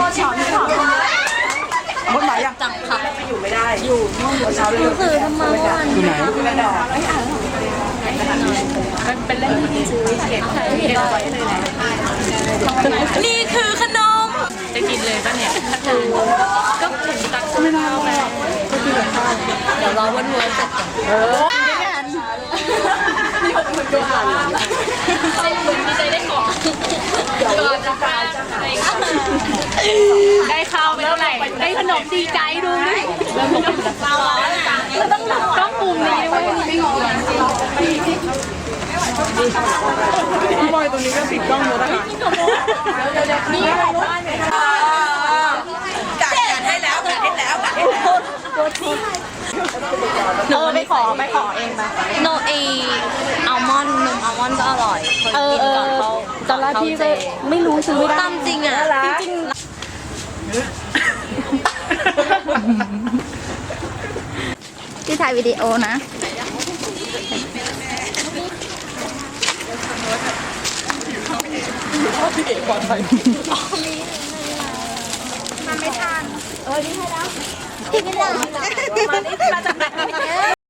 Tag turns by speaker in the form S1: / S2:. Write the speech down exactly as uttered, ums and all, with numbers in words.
S1: คนไหนอ่ะ
S2: จังค่ะ
S1: อยู่ไม่ได้อยู่นู่นเช้าเลย
S2: คือทำไมวัน
S1: อยู่ไหนกระดอก
S2: เป็นเล่นที่ซื้อเก็บเก็บไว้เลยนะนี่คือขนมจะกินเลยป่ะเนี่ยก็ถึงตักไม่ได้แล้วเดี๋ยวรอวันวันเสร็จก่อนเออมันก็ผ่านใจบุญที่ใจได้ของก่อนจะการได้ข้าวไปเท่าไหร่ได้ขนมดีใจดูดิแล้วต้องต้องมุมนี้ด้วยไม่งงเลย
S1: พี่บอยตัวนี้ก็ติดกล้องหมดนะคะนี่จัดการให้แล้วจัดให้แล้วจัดให้แล้วหนูไปขอไปขอเองไป
S2: โนเออัลมอนด์นมอัลมอนด์ก็อร่อยเคยกินก่อนเขา
S3: ตอนแรกพี่ก็ไม่รู้ซื้อไม่ได้
S2: ตามจริงอ่ะจริง
S3: ที่ถ่ายวิดีโอนะมันไม่ทันเออนี่ให้แล้วพี่ไม่ได้มานี่มาจากไหน